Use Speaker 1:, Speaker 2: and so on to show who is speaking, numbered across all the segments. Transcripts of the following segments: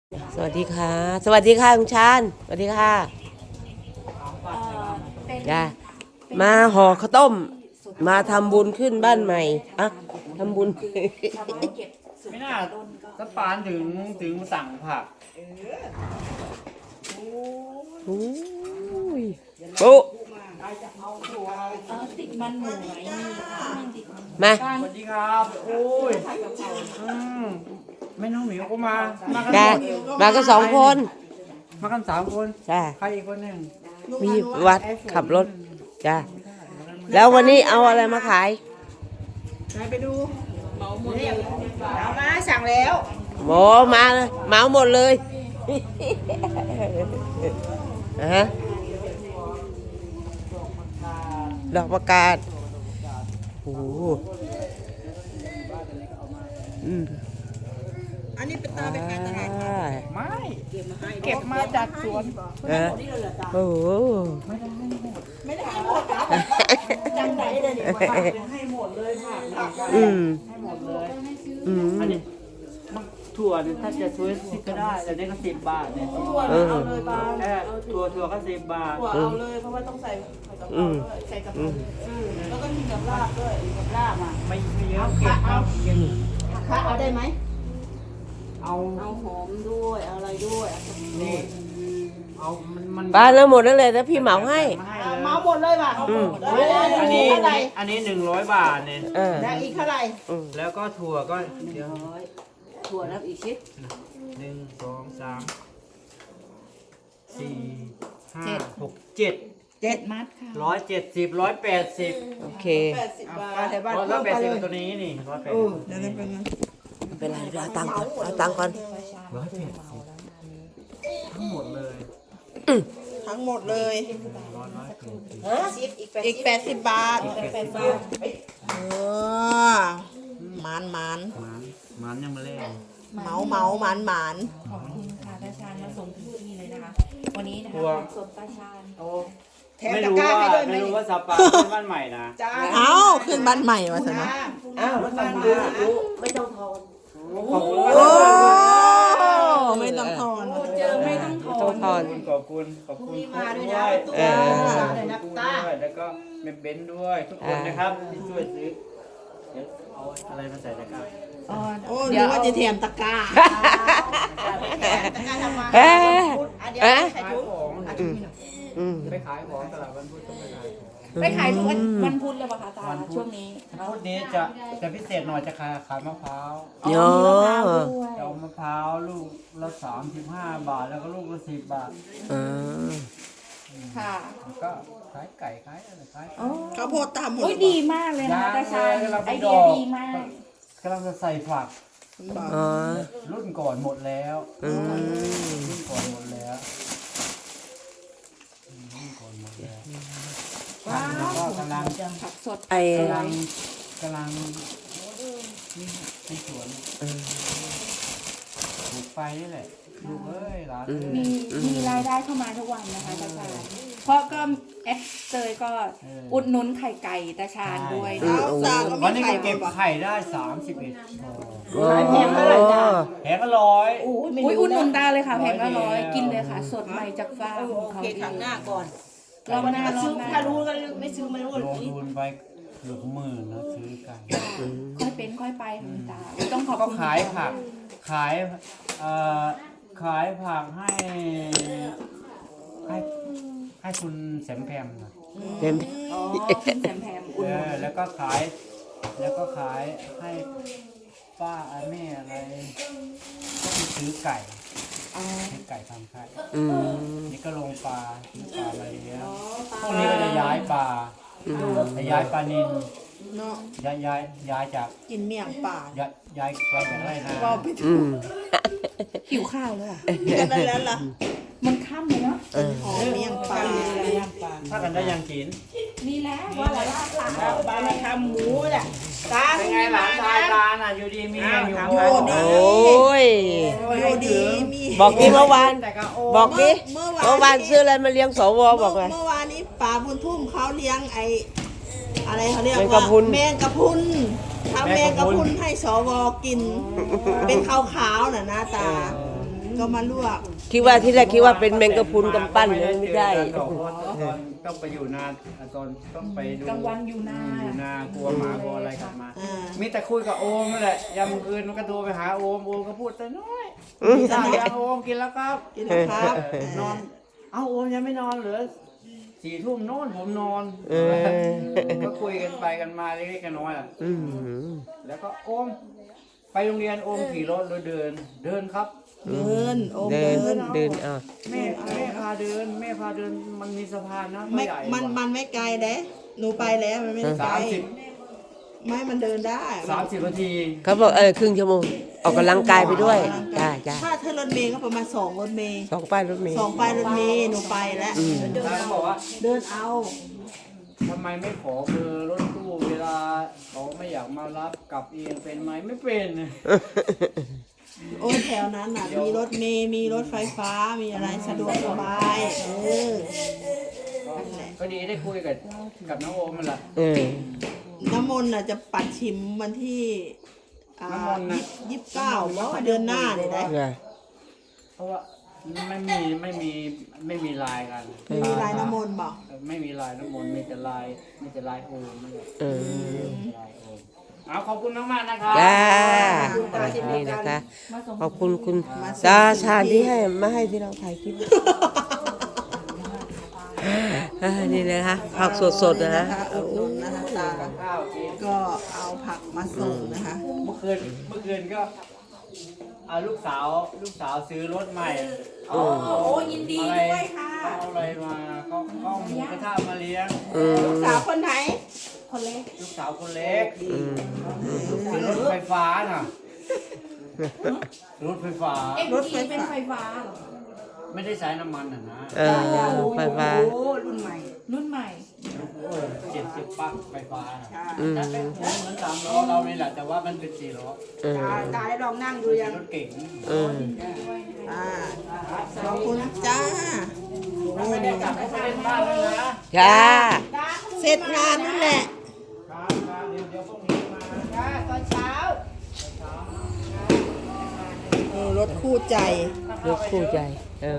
Speaker 1: สวัสดีค่ะสวัสดีค่ะคุณชาญสวัสดีค่ะจ้ามาห่อข้าวต้มมาทำบุญขึ้นบ้านใหม่อะทำบุญ
Speaker 2: ไม่น่าสปานถึงสั่งผัก
Speaker 1: โอ้ยปุ๊
Speaker 3: ติดมันหมูไหม
Speaker 1: มา
Speaker 2: สวัสดีครับโอ้ยไม่น้องหมิวก็มากัน
Speaker 1: จ้ามาก็2 คน
Speaker 2: มากัน3 คน
Speaker 1: จ้า
Speaker 2: ใครอีกคนหนึ่ง
Speaker 1: มีวัดขับรถจ้าแล้ววันนี้เอาอะไรมาขาย
Speaker 3: ไปดูเหมาหมดเลยเอามาสั่งแล้ว
Speaker 1: หมอมาเลยเหมาหมดเลย ฮะดอกประกาศโอ้โห
Speaker 3: อันนี้เป็นตาไปขายตลาด
Speaker 2: ไม่เก็บมาจากสวน
Speaker 1: โอ้โห
Speaker 3: ไม่ได้ให้หมดนะยังไหนเลยเนี่ยให้หมดเลยค่ะ
Speaker 2: ให้หมดเลย
Speaker 1: อืม
Speaker 2: อันนี้มันถั่วเนี่ยถ้าจะซื้อ10ก็ได้แต่นี่ก็10 บาทเนี่ย
Speaker 3: ถั่วเอาเลยบาง
Speaker 2: ถั่วก็10 บาท
Speaker 3: ถั่วเอาเลยเพราะว่าต้องใส่กะเพราด้วยใส่กะเพราแล้วก็มีกับลาบด้วยกับลาบอ่ะ
Speaker 2: ไม่เยอะเก็บเอาเก็บ
Speaker 3: ค่ะเอาได้ไหม
Speaker 2: เอา
Speaker 3: เอาหอมด้วยเอาอะไรด้วย
Speaker 2: นี่เอามัน
Speaker 1: ป้าแล้วหมดนั่นเลยนะพี่เหมาให้
Speaker 2: มาให้
Speaker 3: เอา
Speaker 2: เลย
Speaker 3: เมาหมดเลยว่ะ
Speaker 2: อันนี้
Speaker 3: เท่าไหร่
Speaker 2: อันนี้100 บาทเนี่ย
Speaker 3: แล้วอีกเท่าไหร่
Speaker 2: แล้วก็ถั่วก็เดี๋ยว
Speaker 3: ถั่วแล้วอีกชิ้น
Speaker 2: 1 2 3 4 5 6 7
Speaker 3: มัดค่ะ
Speaker 2: 170 180
Speaker 1: โอเค
Speaker 3: 80 บาทแต่บ้าน
Speaker 2: 180ตัวนี้นี่180
Speaker 3: เดี๋ยวเป็นไง
Speaker 1: ไม่เป็นไรเอาตังค์ก่อนเอาตังค์ก่อน
Speaker 2: ทั้งหมดเลย
Speaker 3: ทั้งหมดเลย
Speaker 2: 180
Speaker 3: อีก80 บาทเออหมาน
Speaker 2: มันยังมาเล่น
Speaker 3: หมาน
Speaker 4: ขอบคุณค่ะตาชาญมาส่งถึงที่เลยนะคะ วันนี้นะ
Speaker 2: ถั่ว
Speaker 4: คะสดตาชาญ
Speaker 3: แถม
Speaker 2: ไม่
Speaker 3: ตะ
Speaker 2: รู้
Speaker 3: กร้า
Speaker 2: ว่า
Speaker 3: ให้ด้วยไหม
Speaker 2: ไม่รู้ว่าสปาเป็นบ้านใหม่นะ
Speaker 3: จ้าเอาขึ้นบ้านใหม่มาสินะ
Speaker 1: อ้าวไม่ต้องทอน
Speaker 2: ขอบคุณ
Speaker 3: โอ้ไม่ต้องทอน
Speaker 4: เจอไม่ต้องท
Speaker 1: ต้
Speaker 4: อ
Speaker 1: อง
Speaker 4: น
Speaker 1: ทอน
Speaker 2: ขอบคุณมาด้วยนะ
Speaker 1: เออ
Speaker 3: เลยนะตา
Speaker 2: แล้วก็เมมเบนด้วยทุกคนนะครับที่ช่วยซื้อเดี๋ยวเอาอะไรมาใส่ตะกร้า
Speaker 3: โอ้นึกว่าจะแถมตะกร้าตะกร้าทำมา
Speaker 1: เอ๊ะ
Speaker 3: อันเดียว
Speaker 1: เอ๊ะ
Speaker 3: ใส่
Speaker 2: ขาย
Speaker 3: ถุง
Speaker 2: ของ
Speaker 1: อืม
Speaker 2: ไปขายของตลาดวันพุธต้องไปขายของ
Speaker 4: ไปขายทุกวันพุธเลยป่ะคะตาช่วงนี้
Speaker 2: วันพุธนี้จะพิเศษหน่อยจะขายมะพร้าว
Speaker 1: โย
Speaker 2: จะเอามะพร้าวลูกละ35 บาทแล้วก็ลูกละ10 บาท
Speaker 1: อ่า
Speaker 4: ค่ะ
Speaker 2: แล้วก็ขายไก่ขายอะไรขาย
Speaker 3: ข้าวโพดตามหมด
Speaker 4: โอ้ยดีมากเลยนะคะตาชาญไอเดียดีมาก
Speaker 2: กำลังจะใส่ฝัก
Speaker 1: อ๋อ
Speaker 2: รุ่นก่อนหมดแล้ว
Speaker 1: อืม
Speaker 2: รุ่นก่อนหมดแล้วรุ่นก่อนหมดแล้วแล้วก็กำลัง
Speaker 4: ผักสด
Speaker 1: ไอ้
Speaker 2: กำลังในสวนปลูกไปนี่แหละลูกเอ้ยหลานเอ้ย
Speaker 4: มีรายได้เข้ามาทุกวันนะคะตาชาญเพราะก็แอดเตยก็อุดหนุนไข่ไก่ตาชาญด้วย
Speaker 1: อื
Speaker 4: นะ
Speaker 1: มโอ้
Speaker 2: วันนี้ก็เก็บไข่ได้31
Speaker 1: โห
Speaker 2: แผงละ100
Speaker 4: อุ้ยอุดหนุนตาเลยค่ะแพงละ100กินเลยค่ะ สดใหม่จากฟาร์มของเขา
Speaker 3: โอเคครั้งหน้าก่อน
Speaker 4: รอบหน้ารอบหน้า
Speaker 3: ถ้ารู้ก็ไม่ซื้อไม่รู้
Speaker 2: ลงทุนไปเกือบหมื่นนะซื้อไก่
Speaker 4: ค่อยเป็นค่อยไปค่ะคุณตาต้องขอบ
Speaker 2: ก็
Speaker 4: คุณ
Speaker 2: ขายผักขายขายผักให้คุณแสมแพมนะ
Speaker 1: เต็ม
Speaker 4: อ๋อคุณแซมแพมอุดหนุน
Speaker 2: แล้วก็ขายให้ป้าแม่อะไรก็ไปซื้อไก่ซื้อไก่ทำไข่
Speaker 1: อืม
Speaker 2: นี่ก็ลงปลาซื้อปลามาเลี้ยงพวกนี้ก็จะย้ายปลาจะย้ายปลานิล
Speaker 3: เนาะ
Speaker 2: ย้ายจาก
Speaker 3: กินเมี่ยงป่า
Speaker 2: ย้ายจากไรนา
Speaker 3: ก็ไป
Speaker 1: อืม
Speaker 4: หิวข้าวแล้วอ่ะ
Speaker 3: กันได้แล้วล่ะ
Speaker 4: มันค่ำเลยเนาะ
Speaker 3: หอมเมี่ยงป่า
Speaker 2: ถ้ากันได้ยังกิน
Speaker 4: นี่แหละว่าละลาดหลัง
Speaker 3: บ้านทำหมูน่ะตา
Speaker 2: เป็นไงหลานชายตาน่ะอยู่ดีมีแรงอยู่
Speaker 3: อ้าว
Speaker 2: โอ้
Speaker 1: โอ้ย
Speaker 3: อยู่ดีมี
Speaker 1: บอกดิเมื่อวาน
Speaker 2: แต่ก็โอ้
Speaker 1: บอกดิ
Speaker 3: เมื่
Speaker 1: เมื่อวานซื้ออะไรมาเลี้ยงสวบอกไง
Speaker 3: เมื่อวานนี้ป่าบุญทุ่มเขาเลี้ยงไออะไรเขาเรียก
Speaker 1: แมงกะ
Speaker 3: ว่า
Speaker 1: พรุน
Speaker 3: แมงกะพรุนทำแมงกะพรุนให้สวกิน เป็นขาวๆน่ะนะตาก็มาลวก
Speaker 1: คิดว่าที่แรกคิดว่าเป็นแมงกะพรุนกำปั้นเลยไม่ใช่
Speaker 2: ตอนต้องไปอยู่นาตอนต้องไปดู
Speaker 4: กลางวันอยู่นา
Speaker 2: อยู่นากลัวหมากลัวอะไรกลับมา
Speaker 3: อ่า
Speaker 2: มีแต่คุยกับโอมนั่นแหละยามคืนมันก็โทรไปหาโอมก็พูดแต่น้อยข้าวยังโอมกินแล้วครับ
Speaker 3: กินนะครับ
Speaker 2: นอน เอ้าโอมยังไม่นอนเหรอ4 ทุ่มนอนผมนอน ก็คุยกันไปกันมาเล็กๆน้อยๆอ่ะ
Speaker 1: อืม
Speaker 2: แล้วก็โอมไปโรงเรียนโอมขี่รถหรือเดินครับ
Speaker 3: เดินโอม
Speaker 1: เดิน
Speaker 3: เดิน
Speaker 1: เดินอ่ะ
Speaker 2: แม่พาเดินมันมีสะพานนะ
Speaker 3: ไม่
Speaker 2: ใหญ่
Speaker 3: มันไม่ไกลเด้หนูไปแล้วมันไม่ได้ไกล ไม่มันเดินได้
Speaker 2: 30 นาที
Speaker 1: เขาบอกครึ่งชั่วโมงออกกำลังกายไปด้วยจ้าจ้า
Speaker 3: ถ้ารถเมย์ก็ประมาณ2รถเมย์
Speaker 1: สองป้ายรถเมล์
Speaker 3: 2ป้ายรถเมย์หนูไปแล้ว
Speaker 2: แล้วก็บอกว่า
Speaker 3: เดินเอา
Speaker 2: ทำไมไม่ขอเบอร์รถตู้เวลาเขาไม่อยากมารับกลับเองเป็นไหมไม่เป็น
Speaker 3: โอ้ยแถวนั้นน่ะมีรถเมย์มีรถไฟฟ้ามีอะไรสะดวกสบายนั่นแหละ
Speaker 2: ก็ดีได้คุยกับน้องโอมมันแหละ
Speaker 3: น้ำมนต์น่ะจะปัดชิมวันที่
Speaker 2: น้ำมนต์น่ะ
Speaker 3: 29เพราะว่าเดือนหน้าเนี่ยได้
Speaker 1: ไง
Speaker 2: เพราะว่าไม่มีลายกัน
Speaker 3: มีลายน้ำมนต์บอก
Speaker 2: ไม่มีลายน้ำมนต์มีแต่ลายโอมนั่นแหละ ลายโอมเอาขอบคุณมากๆนะครับ
Speaker 1: จ้านี่นะคะ ขอบคุณคุณตาชาญที่ให้มาให้ที่เราถ่ายคลิปนี่นะคะผักสดๆนะฮะ
Speaker 3: อุดหนุนนะคะตา
Speaker 2: ข้าวกิน
Speaker 3: ก็เอาผักมาส่งนะคะ
Speaker 2: เมื่อคืนก็เอาลูกสาวซื้อรถใหม่
Speaker 4: โอ้ยินดีด้วยค่ะ
Speaker 2: เอาอะไรมาก็หมูกระทะมาเลี้ยง
Speaker 3: ลูกสาวคนไหน
Speaker 4: คนเล็ก
Speaker 2: ลูกสาวคนเล็กซื้อรถไฟฟ้าน่ะรถไฟฟ้า
Speaker 4: รถเป็นไฟฟ้าเหรอ
Speaker 2: ไม่ได้ใช้น้ำมันนะ
Speaker 1: ไฟฟ้า
Speaker 3: โอ้รุ่นใหม่
Speaker 4: รุ่นใหม่
Speaker 2: 70 ปักไฟฟ้าน่ะ
Speaker 1: อืม
Speaker 2: แต่เป็นเหมือน3 ล้อเรานี่แหละแต่ว่ามันเป็น4 ล้อ
Speaker 3: ตาได้ลองนั่งดูยัง
Speaker 2: รถเก๋ง
Speaker 3: ขอบคุณจ้า
Speaker 2: ไม่ได้กลับไปเล่นบ้านเลยนะ
Speaker 1: จ้า
Speaker 3: เสร็จงานนั่นแหละ
Speaker 2: ครับเดี๋ยวพรุ่งนี้มา
Speaker 3: ตอนเช้า รถคู่ใจ
Speaker 1: รถคู่ใจ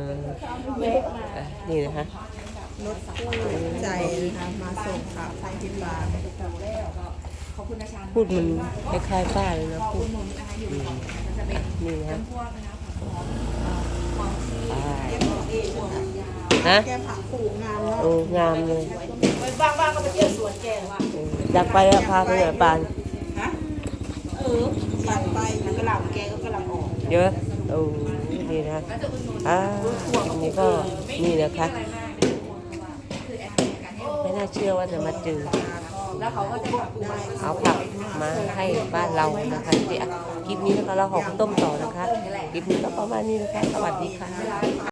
Speaker 1: นี่นะคะ
Speaker 3: รถคู่ใจนะคะมาส่งข่าวไทยที่บ้าน
Speaker 4: ขอบคุณอาจารย์
Speaker 1: พูดมันคล้ายๆป้าเลยนะพูด
Speaker 4: หนุนนะคะอยู่จะเป็น
Speaker 1: นี่นะ
Speaker 4: พวกนะคะของที่
Speaker 1: ฮะ
Speaker 3: แกผักปลูกงานแล้ว
Speaker 1: โอ้งามเลย
Speaker 3: บ้างๆก็ไปเที่ยวสวนแกว่า
Speaker 1: อยากไปอะพาไปหน่อยปาน
Speaker 3: ฮะอยากไปกระหล่ำแกก็กระหล่ำออก
Speaker 1: เยอะโอ้นี่นะคลิปนี้ก็นี่นะคะ ไม่น่าเชื่อว่าจะมาเจอ
Speaker 4: แล้วเขาก็จะแบบ
Speaker 1: เอาผักมาให้บ้านเรานะคะที่คลิปนี้นะคะเราขอข้าวต้มต่อนะคะ คลิปนี้ก็ประมาณนี้นะคะ สวัสดีค่ะ